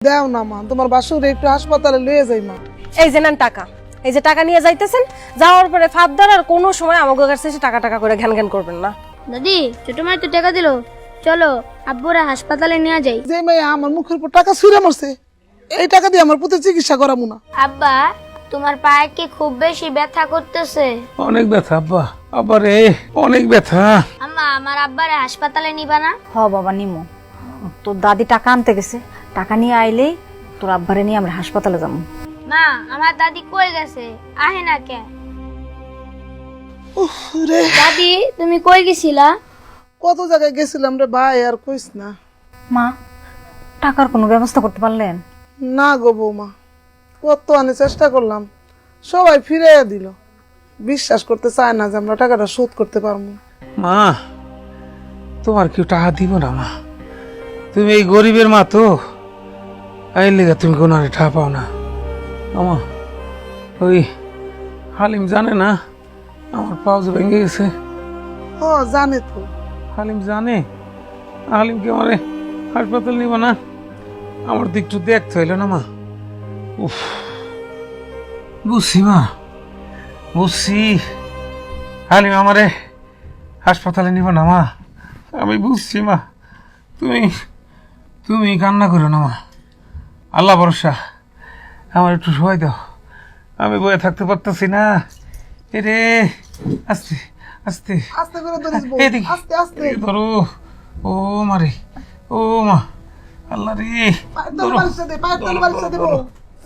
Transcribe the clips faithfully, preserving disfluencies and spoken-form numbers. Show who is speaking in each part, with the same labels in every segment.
Speaker 1: দাও না মা, তোমার বাসুরে একটু হাসপাতালে লয়ে যাই মা।
Speaker 2: এই যে নেন টাকা, এই যে টাকা নিয়ে যাইতেছেন, যাওয়ার পরে ফাঁদদার আর কোনো সময় আমাকে কাছে এসে টাকা টাকা করে ঘ্যান ঘ্যান করবেন না।
Speaker 3: দাদি ছোট মাই তো টাকা দিল, চলো আব্বুরা হাসপাতালে নিয়ে যাই।
Speaker 1: যে মেয়ে আমার মুখের উপর টাকা ছুঁড়ে মারছে, এই টাকা দিয়ে আমার পুতে চিকিৎসা করাবো না।
Speaker 3: আব্বা তোমার পায়ে কি খুব বেশি ব্যথা করতেছে?
Speaker 4: অনেক ব্যথা আব্বা, আব্বা রে অনেক ব্যথা।
Speaker 3: আম্মা আমার আব্বারে হাসপাতালে নিবা না?
Speaker 5: হ বাবা নিমো, তোর দাদি টাকা আনতে গেছে, টাকা নিয়ে আইলেই তোর আব্বারে নিয়ে আমরা হাসপাতালে যাবো।
Speaker 3: মা আমার দাদি কই গেছে, আহে না কে?
Speaker 1: উফ রে,
Speaker 3: দাদি তুমি কই গেছিলা?
Speaker 1: কত জায়গায় গেছিলাম রে ভাই, আর কইস না।
Speaker 5: মা টাকার কোনো ব্যবস্থা করতে পারলেন?
Speaker 1: না গো বৌমা, কত আনে চেষ্টা করলাম, সবাই ফিরে দিল। বিশ্বাস করতে চায় না যে আমরা টাকাটা শোধ করতে পারবো।
Speaker 4: মা তোমার কেউ টাকা দিব না মা, তুমি এই গরিবের মা তো, এই লেগে তুমি কোনো টাকা পাও না। আমা ওই হালিম জানে না আমার পাও যে ভেঙে গেছে?
Speaker 1: হ জানে তো।
Speaker 4: হালিম জানে? হালিমকে আমারে হাসপাতাল নিব না, আমার তো একটু দেখতে হইল না মা। উফ বুঝছি মা, বুঝছি, হালিম আমারে হাসপাতালে নিব না মা, আমি বুঝছি মা। তুমি তুমি কান্না করো না মা, আল্লাহ ভরসা, আমার একটু সময় দাও, আমি বয়ে থাকতে পারতেছি না। এরে আস্তে আস্তে
Speaker 1: আস্তে করে ধরিস বৌ,
Speaker 4: এদিকে
Speaker 1: আস্তে আস্তে
Speaker 4: এদিকে ধরো। ও মারে, ও মা, আল্লাহ রে,
Speaker 1: পায়ের তলে বালিশটা দে, পায়ের তলে বালিশটা দে বৌ।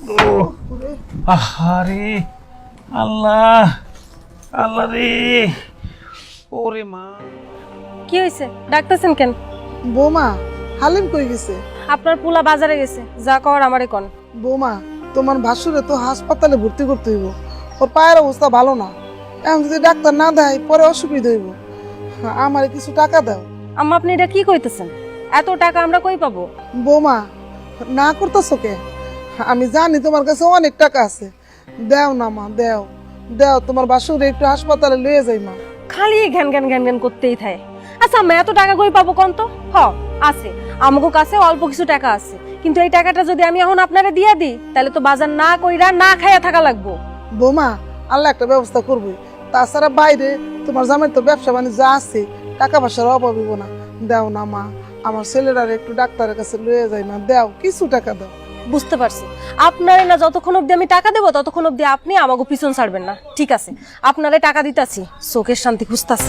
Speaker 4: আহারে আল্লাহ, আল্লাহ রে, ওরে মা।
Speaker 2: কি হয়েছে, ডাকতেছেন কেন?
Speaker 1: বৌমা হালিম কই গেছে?
Speaker 2: আপনার পুলা বাজারে গেছে, যা কর আমারে কোন।
Speaker 1: বৌমা তোমার ভাসুরে তো হাসপাতালে ভর্তি করতে হইব, ওর পায়ের অবস্থা ভালো না, এখন যদি ডাক্তার না দেয় পরে অসুবিধা হইব। আমার কিছু টাকা দাও।
Speaker 2: আম্মা আপনি এটা কি কইতেছেন? এত টাকা আমরা কই পাবো?
Speaker 1: বৌমা না করতেছো কে? আমি জানি তোমার কাছে অনেক টাকা আছে, দেও না মা, দেও দেও, তোমার বাসুরে একটু হাসপাতালে লয়ে যাই মা।
Speaker 2: খালি ঘ্যান ঘ্যান ঘ্যান ঘ্যান করতেই থাকে। আচ্ছা আম্মা এত টাকা কই পাবো কোন তো? হ আছে, আমাগো কাছে অল্প কিছু টাকা আছে, কিন্তু এই টাকাটা যদি আমি এখন আপনারে দিয়া দিই তাহলে তো বাজার না কইরা না খাইয়া থাকা লাগবো।
Speaker 1: বৌমা আল্লাহ একটা ব্যবস্থা করবো, তাছাড়া বাইরে তোমার জামাই তো ব্যবসা বাণিজ্য আছে, টাকা পয়সার অভাব হইব না। দেও না মা, আমার ছেলেরা একটু ডাক্তারের কাছে লয়ে যায় না, দেও কিছু টাকা দাও।
Speaker 2: বুঝতে পারছি, আপনারে না যতক্ষণ অব্দি আমি টাকা দেবো ততক্ষণ অব্দি আপনি আমাকে পিছন ছাড়বেন না। ঠিক আছে, আপনারে টাকা দিতাছি, চোখের শান্তি খুঁজতাছি।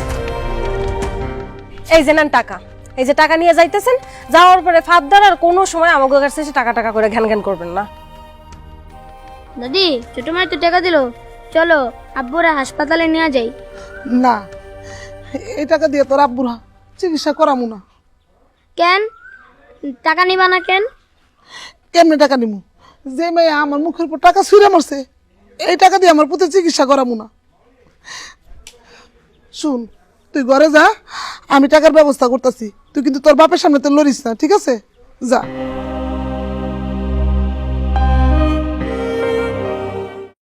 Speaker 2: এই যে নেন টাকা, এই যে টাকা নিয়ে যাইতেছেন, যাওয়ার পরে ফাঁদদার আর কোনো সময় আমাকে কাছে এসে টাকা টাকা করে ঘ্যান ঘ্যান করবেন না।
Speaker 3: দাদি ছোট মাই তো টাকা দিল, চলো আব্বুরা হাসপাতালে নিয়ে যাই।
Speaker 1: না, এই টাকা দিয়ে তোর আব্বুর চিকিৎসা করামু না।
Speaker 3: কেন টাকা নিবা না কেন?
Speaker 1: কেমনে টাকা নিমু? যে মেয়ে আমার মুখের উপর টাকা ছুঁড়ে মারছে, এই টাকা দিয়ে আমার পুতে চিকিৎসা করামু না। শুন, তুই ঘরে যা, আমি টাকার ব্যবস্থা করতেছি, তুই কিন্তু তোর বাপের সামনে তো লড়িস না, ঠিক আছে? যা।